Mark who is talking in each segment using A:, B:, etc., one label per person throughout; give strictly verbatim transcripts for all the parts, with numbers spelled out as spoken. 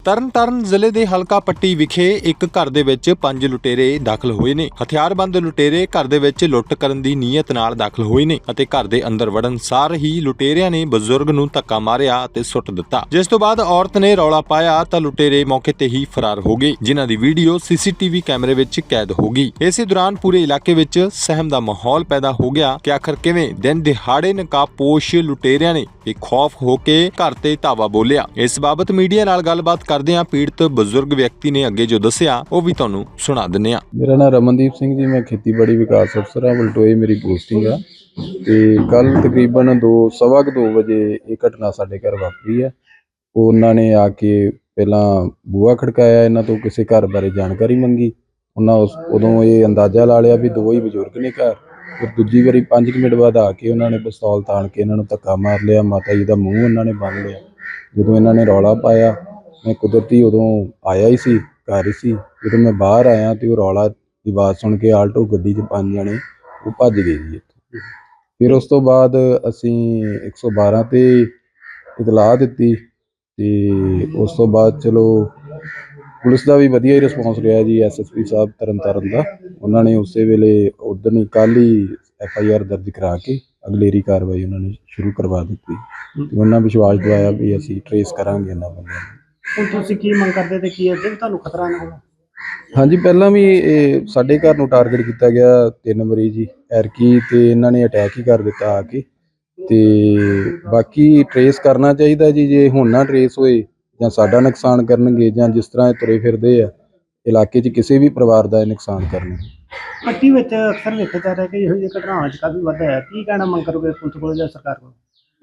A: ਤਰਨਤਾਰਨ ਜ਼ਿਲ੍ਹੇ ਦੇ ਹਲਕਾ ਪੱਟੀ ਵਿਖੇ ਇੱਕ ਘਰ ਦੇ ਵਿੱਚ ਪੰਜ ਲੁਟੇਰੇ ਦਾਖਲ ਹੋਏ ਨੇ। ਹਥਿਆਰਬੰਦ ਲੁਟੇਰੇ ਘਰ ਦੇ ਵਿੱਚ ਲੁੱਟ ਕਰਨ ਦੀ ਨੀਅਤ ਨਾਲ ਦਾਖਲ ਹੋਏ ਨੇ ਅਤੇ ਘਰ ਦੇ ਅੰਦਰ ਵੜਨ ਸਾਰ ਹੀ ਲੁਟੇਰਿਆਂ ਨੇ ਬਜ਼ੁਰਗ ਨੂੰ ਧੱਕਾ ਮਾਰਿਆ ਅਤੇ ਸੁੱਟ ਦਿੱਤਾ, ਜਿਸ ਤੋਂ ਬਾਅਦ ਔਰਤ ਨੇ ਰੌਲਾ ਪਾਇਆ ਤਾਂ ਲੁਟੇਰੇ ਮੌਕੇ ਤੇ ਹੀ ਫਰਾਰ ਹੋ ਗਏ, ਜਿਨ੍ਹਾਂ ਦੀ ਵੀਡੀਓ ਸੀਸੀਟੀਵੀ ਕੈਮਰੇ ਵਿੱਚ ਕੈਦ ਹੋ ਗਈ। ਇਸੇ ਦੌਰਾਨ ਪੂਰੇ ਇਲਾਕੇ ਵਿੱਚ ਸਹਿਮ ਦਾ ਮਾਹੌਲ ਪੈਦਾ ਹੋ ਗਿਆ ਕਿ ਆਖਰ ਕਿਵੇਂ ਦਿਨ ਦਿਹਾੜੇ ਨਕਾਬਪੋਸ਼ ਲੁਟੇਰਿਆਂ ਨੇ ਬੇਖੌਫ ਹੋ ਕੇ ਘਰ ਤੇ ਧਾਵਾ ਬੋਲਿਆ। ਇਸ ਬਾਬਤ ਮੀਡੀਆ ਨਾਲ ਗੱਲਬਾਤ ਕਰਦਿਆਂ ਪੀੜਤ ਬਜ਼ੁਰਗ ਵਿਅਕਤੀ ਨੇ ਅੱਗੇ ਜੋ ਦੱਸਿਆ ਉਹ ਵੀ ਤੁਹਾਨੂੰ ਸੁਣਾ ਦਿੰਦੇ ਹਾਂ।
B: ਮੇਰਾ ਨਾਮ ਰਮਨਦੀਪ ਸਿੰਘ ਜੀ, ਮੈਂ ਖੇਤੀਬਾੜੀ ਵਿਕਾਸ ਅਫਸਰ ਹਾਂ, ਬਲਟੋਏ ਮੇਰੀ ਪੋਸਟਿੰਗ ਆ। ਤੇ ਕੱਲ ਤਕਰੀਬਨ ਦੋ ਸਵਾ ਕੁ ਦੋ ਵਜੇ ਇਹ ਘਟਨਾ ਸਾਡੇ ਘਰ ਵਾਪਰੀ ਆ। ਉਹਨਾਂ ਨੇ ਆ ਕੇ ਪਹਿਲਾਂ ਬੂਹਾ ਖੜਕਾਇਆ, ਇਹਨਾਂ ਤੋਂ ਕਿਸੇ ਘਰ ਬਾਰੇ ਜਾਣਕਾਰੀ ਮੰਗੀ। ਉਹਨਾਂ ਉਸ ਉਦੋਂ ਇਹ ਅੰਦਾਜ਼ਾ ਲਾ ਲਿਆ ਵੀ ਦੋ ਹੀ ਬਜ਼ੁਰਗ ਨੇ ਘਰ। ਫਿਰ ਦੂਜੀ ਵਾਰੀ ਪੰਜ ਕੁ ਮਿੰਟ ਬਾਅਦ ਆ ਕੇ ਉਹਨਾਂ ਨੇ ਪਿਸਤੌਲ ਤਾਣ ਕੇ ਇਹਨਾਂ ਨੂੰ ਧੱਕਾ ਮਾਰ ਲਿਆ। ਮਾਤਾ ਜੀ ਦਾ ਮੂੰਹ ਉਹਨਾਂ ਨੇ ਬੰਨ੍ਹ ਲਿਆ। ਜਦੋਂ ਇਹਨਾਂ ਨੇ ਰੌਲਾ ਪਾਇਆ, ਮੈਂ ਕੁਦਰਤੀ ਉਦੋਂ ਆਇਆ ਹੀ ਸੀ, ਘਰ ਹੀ ਸੀ। ਜਦੋਂ ਮੈਂ ਬਾਹਰ ਆਇਆ ਤੇ ਉਹ ਰੌਲਾ ਦੀ ਆਵਾਜ਼ ਸੁਣ ਕੇ ਆਲਟੋ ਗੱਡੀ 'ਚ ਪੰਜ ਜਣੇ ਉਹ ਭੱਜ ਗਏ ਜੀ ਇੱਥੋਂ। ਫਿਰ ਉਸ ਤੋਂ ਬਾਅਦ ਅਸੀਂ ਇੱਕ ਸੌ ਬਾਰਾਂ 'ਤੇ ਇਤਲਾਹ ਦਿੱਤੀ ਤੇ ਉਸ ਤੋਂ ਬਾਅਦ ਚਲੋ ਪੁਲਿਸ ਦਾ ਵੀ ਵਧੀਆ ਹੀ ਰਿਸਪੌਂਸ ਰਿਹਾ ਜੀ। ਐਸ ਐਸ ਪੀ ਸਾਹਿਬ ਤਰਨਤਾਰਨ ਦਾ, ਉਹਨਾਂ ਨੇ ਉਸੇ ਵੇਲੇ ਉਦੋਂ ਹੀ ਕੱਲ੍ਹ ਹੀ ਐਫ ਆਈ ਆਰ ਦਰਜ ਕਰਾ ਕੇ ਅਗਲੇਰੀ ਕਾਰਵਾਈ ਉਹਨਾਂ ਨੇ ਸ਼ੁਰੂ ਕਰਵਾ ਦਿੱਤੀ ਤੇ ਉਹਨਾਂ ਵਿਸ਼ਵਾਸ ਦਿਵਾਇਆ ਵੀ ਅਸੀਂ ਟਰੇਸ ਕਰਾਂਗੇ ਇਹਨਾਂ ਬੰਦਿਆਂ ਨੂੰ।
C: ਹੁਣ ਤੁਸੀਂ ਕੀ ਮੰਗ ਕਰਦੇ ਤੇ ਕੀ ਅੱਗੇ ਵੀ ਤੁਹਾਨੂੰ ਖਤਰਾ ਨਾ ਹੋਵੇ?
B: ਹਾਂਜੀ, ਪਹਿਲਾਂ ਵੀ ਇਹ ਸਾਡੇ ਘਰ ਨੂੰ ਟਾਰਗੇਟ ਕੀਤਾ ਗਿਆ ਤਿੰਨ ਮਰੀਜ਼ ਜੀ ਐਰਕੀ, ਤੇ ਇਹਨਾਂ ਨੇ ਅਟੈਕ ਹੀ ਕਰ ਦਿੱਤਾ ਆ ਕੇ। ਤੇ ਬਾਕੀ ਟਰੇਸ ਕਰਨਾ ਚਾਹੀਦਾ ਜੀ, ਜੇ ਹੁਣ ਨਾ ਟਰੇਸ ਹੋਏ ਜਾਂ ਸਾਡਾ ਨੁਕਸਾਨ ਕਰਨਗੇ ਜਾਂ ਜਿਸ ਤਰ੍ਹਾਂ ਇਹ ਤੁਰੇ ਫਿਰਦੇ ਆ ਇਲਾਕੇ 'ਚ ਕਿਸੇ ਵੀ ਪਰਿਵਾਰ ਦਾ ਇਹ ਨੁਕਸਾਨ ਕਰਨਗੇ।
C: ਪੱਟੀ ਵਿੱਚ ਅਕਸਰ ਵੇਖਿਆ ਜਾ ਰਿਹਾ ਕਿ ਇਹੋ ਜਿਹੀ ਘਟਨਾਵਾਂ 'ਚ ਕਾਫੀ ਵਾਧਾ ਹੈ। ਕੀ ਕਹਿਣਾ ਮੰਗ ਕਰੋਗੇ ਪੁਲਿਸ ਕੋਲ ਜਾਂ ਸਰਕਾਰ ਕੋਲ?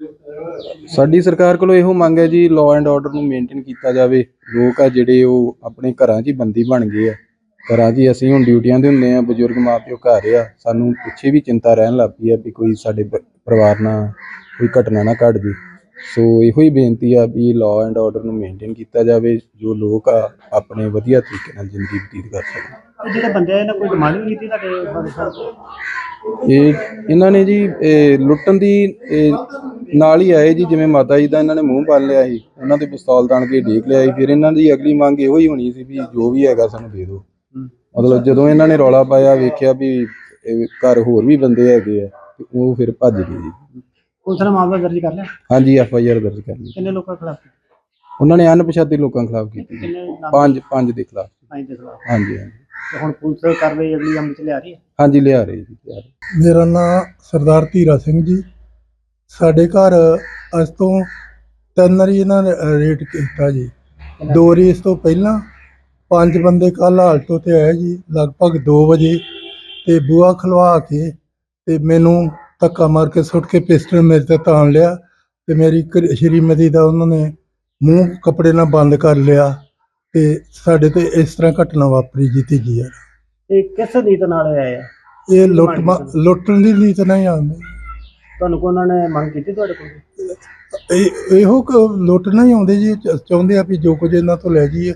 B: ਸਾਡੀ ਸਰਕਾਰ ਕੋਲੋਂ ਇਹੋ ਮੰਗ ਹੈ ਜੀ, ਲਾਅ ਐਂਡ ਆਰਡਰ ਨੂੰ ਮੇਨਟੇਨ ਕੀਤਾ ਜਾਵੇ। ਲੋਕ ਆ ਜਿਹੜੇ ਉਹ ਆਪਣੇ ਘਰਾਂ 'ਚ ਹੀ ਬੰਦੀ ਬਣ ਗਏ ਆ। ਘਰਾਂ 'ਚ ਹੀ ਅਸੀਂ ਹੁਣ ਡਿਊਟੀਆਂ 'ਤੇ ਹੁੰਦੇ ਹਾਂ, ਬਜ਼ੁਰਗ ਮਾਂ ਪਿਓ ਘਰ ਆ। ਸਾਨੂੰ ਪਿੱਛੇ ਵੀ ਚਿੰਤਾ ਰਹਿਣ ਲੱਗ ਪਈ ਆ ਵੀ ਕੋਈ ਸਾਡੇ ਪਰਿਵਾਰ ਨਾਲ ਕੋਈ ਘਟਨਾ ਨਾ ਘਟ ਜੇ। ਸੋ ਇਹੋ ਹੀ ਬੇਨਤੀ ਆ ਵੀ ਲਾਅ ਐਂਡ ਆਰਡਰ ਨੂੰ ਮੇਨਟੇਨ ਕੀਤਾ ਜਾਵੇ, ਜੋ ਲੋਕ ਆ ਆਪਣੇ ਵਧੀਆ ਤਰੀਕੇ ਨਾਲ ਜ਼ਿੰਦਗੀ ਬਤੀਤ ਕਰ ਸਕਣ।
C: ਜਿਹੜੇ ਬੰਦੇ ਆ ਇਹਨਾਂ ਕੋਈ ਡਿਮਾਂਡ ਵੀ ਕੀਤੀ ਤੁਹਾਡੇ ਬਾਰੇ ਸਾਹਿਬ?
B: ਇਹ ਇਹਨਾਂ ਨੇ ਜੀ ਇਹ ਲੁੱਟਣ ਦੀ ਇਹ ਨਾਲ ਹੀ ਆਏ ਜੀ। ਜਿਵੇਂ ਮਾਤਾ ਜੀ ਦਾ ਇਹਨਾਂ ਨੇ ਮੂੰਹ ਬੰਨ੍ਹ ਲਿਆ ਸੀ, ਉਹਨਾਂ 'ਤੇ ਪਿਸਤੌਲ ਤਾਣ ਕੇ ਢੀਕ ਲਿਆ ਸੀ। ਫਿਰ ਇਹਨਾਂ ਦੀ ਅਗਲੀ ਮੰਗ ਇਹੋ ਹੀ ਹੋਣੀ ਸੀ ਵੀ ਜੋ ਵੀ ਹੈਗਾ ਸਾਨੂੰ ਦੇ ਦਿਓ। ਮਤਲਬ ਜਦੋਂ ਇਹਨਾਂ ਨੇ ਰੌਲਾ ਪਾਇਆ, ਵੇਖਿਆ ਵੀ ਘਰ ਹੋਰ ਵੀ ਬੰਦੇ ਹੈਗੇ ਆ ਤੇ ਉਹ ਫਿਰ ਭੱਜ ਗਏ ਜੀ।
C: ਪੁਲਿਸ ਨੇ ਮਾਮਲਾ ਦਰਜ ਕਰ ਲਿਆ?
B: ਹਾਂਜੀ, ਐਫ ਆਈ ਆਰ ਦਰਜ ਕਰ ਲਈ।
C: ਕਿੰਨੇ ਲੋਕਾਂ ਖਿਲਾਫ?
B: ਉਹਨਾਂ ਨੇ ਅਣਪਛਾਤੇ ਲੋਕਾਂ ਖਿਲਾਫ ਕੀਤੀ।
C: ਕਿੰਨੇ ਨਾਮ?
B: ਪੰਜ ਪੰਜ ਦੇ ਖਿਲਾਫ।
C: ਪੰਜ ਦੇ ਖਿਲਾਫ।
B: ਹਾਂਜੀ ਹਾਂਜੀ
C: ਤੇ ਹੁਣ ਪੁਲਿਸ ਕਾਰਵਾਈ ਅਗਲੀ ਅਮਲ 'ਚ ਲਿਆ ਰਹੀ ਹੈ?
B: ਹਾਂਜੀ, ਲਿਆ ਰਹੇ ਜੀ, ਲਿਆ ਰਹੇ।
D: ਮੇਰਾ ਨਾਮ ਸਰਦਾਰ ਧੀਰਾ ਸਿੰਘ ਜੀ। ਸਾਡੇ ਘਰ ਅੱਜ ਤੋਂ ਤਿੰਨ ਵਾਰੀ ਇਹਨਾਂ ਨੇ ਰੇਡ ਕੀਤਾ ਜੀ। ਦੋ ਵਾਰੀ ਇਸ ਤੋਂ ਪਹਿਲਾਂ ਪੰਜ ਬੰਦੇ ਕੱਲ੍ਹ ਆਲਟੋ 'ਤੇ ਆਏ ਜੀ ਲਗਭਗ ਦੋ ਵਜੇ, ਤੇ ਬੂਹਾ ਖਲਵਾ ਕੇ ਤੇ ਮੈਨੂੰ ਧੱਕਾ ਮਾਰ ਕੇ ਸੁੱਟ ਕੇ ਪਿਸਟਲ ਮੇਰੇ 'ਤੇ ਤਾਣ ਲਿਆ ਤੇ ਮੇਰੀ ਘ- ਸ਼੍ਰੀਮਤੀ ਦਾ ਉਹਨਾਂ ਨੇ ਮੂੰਹ ਕੱਪੜੇ ਨਾਲ ਬੰਦ ਕਰ ਲਿਆ ਤੇ ਸਾਡੇ ਤੇ ਇਸ ਤਰ੍ਹਾਂ ਘਟਨਾ ਵਾਪਰੀ ਜੀ ਤੀਜੀ ਵਾਰ।
C: ਇਹ ਕਿਸ ਨੀਤ ਨਾਲ ਆਏ ਆ?
D: ਇਹ ਲੁੱਟ ਮਾ- ਲੁੱਟਣ ਦੀ ਨੀਤ ਨਹੀਂ ਆਉਂਦੀ।
C: ਤੁਹਾਨੂੰ ਕੋਈ ਉਹਨਾਂ ਨੇ ਮੰਗ ਕੀਤੀ ਤੁਹਾਡੇ ਕੋਲ?
D: ਇਹ ਇਹੋ ਕੁ ਲੁੱਟਣਾ ਹੀ ਆਉਂਦੇ ਜੀ, ਚ- ਚਾਹੁੰਦੇ ਆ ਵੀ ਜੋ ਕੁਝ ਇਹਨਾਂ ਤੋਂ ਲੈ ਜਾਈਏ।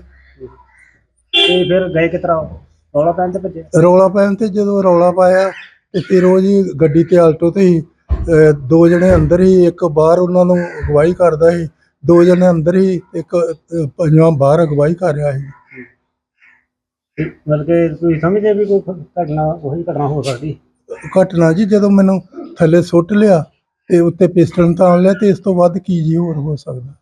C: ਤੇ ਫਿਰ ਗਏ ਕਿਸ ਤਰ੍ਹਾਂ? ਰੌਲਾ ਪੈਣ ਤੇ ਭੱਜੇ?
D: ਰੌਲਾ ਪੈਣ ਤੇ ਜਦੋਂ ਰੌਲਾ ਪਾਇਆ ਤੇ ਫਿਰ ਉਹ ਜੀ ਗੱਡੀ ਤੇ ਆਲਟੋ ਤੇ ਹੀ ਅਹ, ਦੋ ਜਣੇ ਅੰਦਰ ਹੀ, ਇੱਕ ਬਾਹਰ ਉਹਨਾਂ ਨੂੰ ਅਗਵਾਈ ਕਰਦਾ ਸੀ। ਦੋ ਜਣੇ ਅੰਦਰ ਹੀ, ਇੱਕ ਅਹ, ਪੰਜਵਾਂ ਬਾਹਰ ਅਗਵਾਈ ਕਰ ਰਿਹਾ ਸੀ।
C: ਮਤਲਬ ਕਿ ਤੁਸੀਂ ਸਮਝਦੇ ਵੀ ਕੋਈ ਘਟਨਾ ਉਹੀ ਘਟਨਾ ਹੋ ਸਕਦੀ?
D: ਘਟਨਾ ਜੀ ਜਦੋਂ ਮੈਨੂੰ ਥੱਲੇ ਸੁੱਟ ਲਿਆ ਤੇ ਉੱਤੇ ਪਿਸਟਲ ਤਾਣ ਲਿਆ ਤੇ ਇਸ ਤੋਂ ਵੱਧ ਕੀ ਜੀ ਹੋਰ ਹੋ ਸਕਦਾ।